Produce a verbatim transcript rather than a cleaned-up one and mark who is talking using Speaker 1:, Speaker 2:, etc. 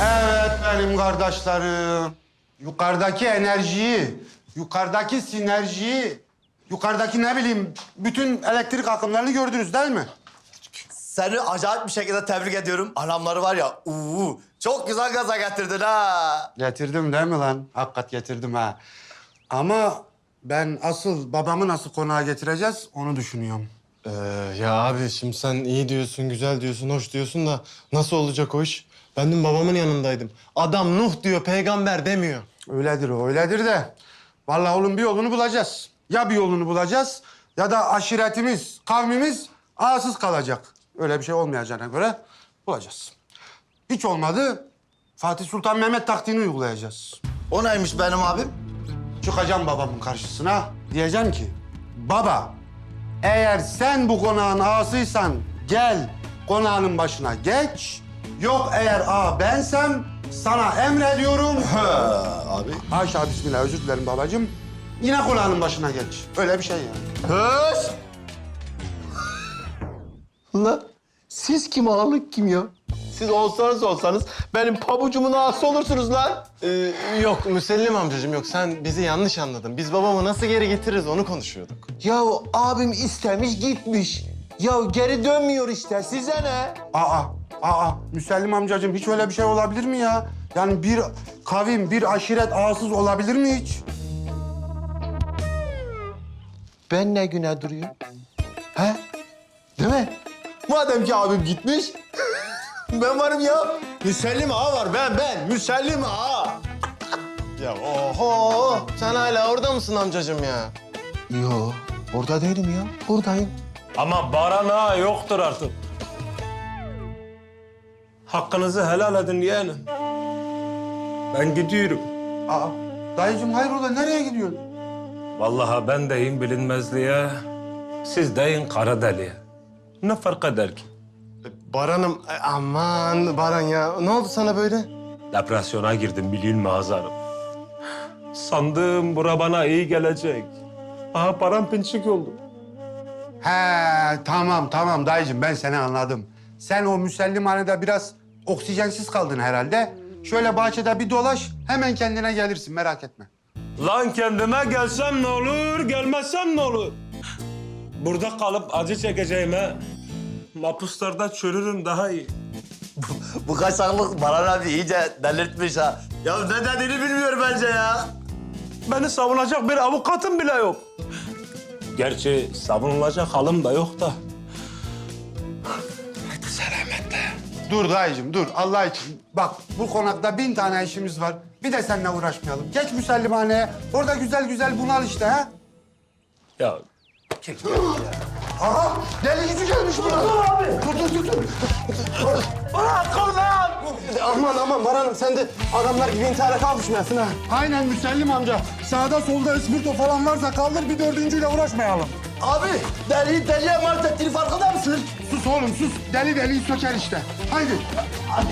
Speaker 1: Evet benim kardeşlerim. Yukarıdaki enerjiyi, yukarıdaki sinerjiyi, yukarıdaki ne bileyim bütün elektrik akımlarını gördünüz değil mi?
Speaker 2: Seni acayip bir şekilde tebrik ediyorum. Anamları var ya, uuu, çok güzel gaza getirdin ha.
Speaker 1: Getirdim değil mi lan? Hakikat getirdim ha. Ama ben asıl babamı nasıl konağa getireceğiz onu düşünüyorum.
Speaker 3: Ee, ya abi şimdi sen iyi diyorsun, güzel diyorsun, hoş diyorsun da nasıl olacak o iş? Ben dün babamın yanındaydım. Adam Nuh diyor, peygamber demiyor.
Speaker 1: Öyledir o, öyledir de. Vallahi oğlum bir yolunu bulacağız. Ya bir yolunu bulacağız ya da aşiretimiz, kavmimiz ağasız kalacak. Öyle bir şey olmayacağına göre bulacağız. Hiç olmadı Fatih Sultan Mehmet taktiğini uygulayacağız.
Speaker 2: O neymiş benim abim?
Speaker 1: Çıkacağım babamın karşısına. Diyeceğim ki, baba eğer sen bu konağın ağasıysan gel konağının başına geç. Yok eğer ağa bensem sana emrediyorum.
Speaker 2: Ha, abi.
Speaker 1: Haşa bismillah özür dilerim babacığım. Yine konağının başına geç. Öyle bir şey yani.
Speaker 4: Höş! Lan siz kim ağalık kim ya? Siz olsanız olsanız benim pabucumun ağası olursunuz lan.
Speaker 3: Ee, yok Müsellim amcacığım yok. Sen bizi yanlış anladın. Biz babamı nasıl geri getiririz onu konuşuyorduk.
Speaker 4: Ya abim istemiş gitmiş. Ya geri dönmüyor işte. Size ne?
Speaker 1: Aa, aa Müsellim amcacığım hiç öyle bir şey olabilir mi ya? Yani bir kavim, bir aşiret ağasız olabilir mi hiç?
Speaker 4: Ben ne güne duruyorum? He? Değil mi? Madem ki abim gitmiş, ben varım ya. Müsellim ağa var, ben, ben. Müsellim ağa.
Speaker 3: Ya oho! Sen hala orada mısın amcacığım ya?
Speaker 4: Yo, orada değilim ya. Buradayım.
Speaker 5: Ama Baran ağa yoktur artık. Hakkınızı helal edin yeğenim. Ben gidiyorum.
Speaker 1: Aa, dayıcığım hayrola nereye gidiyorsun?
Speaker 5: Vallahi ben deyim bilinmezliğe, siz deyin kara deliğe. Ne fark eder ki?
Speaker 3: Baran'ım, e, aman Baran ya. Ne oldu sana böyle?
Speaker 5: Depresyona girdim bilin mi Hazarım? Sandım bura bana iyi gelecek. Aha param pinçik oldu.
Speaker 1: He tamam tamam dayıcığım ben seni anladım. Sen o müsellimhanede biraz oksijensiz kaldın herhalde. Şöyle bahçede bir dolaş hemen kendine gelirsin merak etme.
Speaker 5: Lan kendime gelsem ne olur, gelmezsem ne olur? Burada kalıp acı çekeceğime mahpuslarda çürürüm daha iyi.
Speaker 2: Bu kaçaklık Baran abi iyice delirtmiş ha. Ya ne dediğini bilmiyor bence ya.
Speaker 5: Beni savunacak bir avukatım bile yok. Gerçi savunulacak halim da yok da. Hadi selametle.
Speaker 1: Dur dayıcığım dur Allah için. Bak bu konakta bin tane işimiz var. Bir de seninle uğraşmayalım. Geç müsellimhaneye. Orada güzel güzel bunal işte ha.
Speaker 5: Ya
Speaker 1: Aha deli yüzü gelmiş buraya. Dur dur dur. dur.
Speaker 3: Aman aman Baran'ım sen de adamlar gibi intihara kalkışmayasın ha.
Speaker 1: Aynen Müsellim amca. Sağda solda ıspırto falan varsa kaldır bir dördüncüyle uğraşmayalım.
Speaker 2: Abi, deliyi deliye mart ettiğini farkında mısın?
Speaker 1: Sus oğlum sus. Deli deliyi söker işte. Haydi.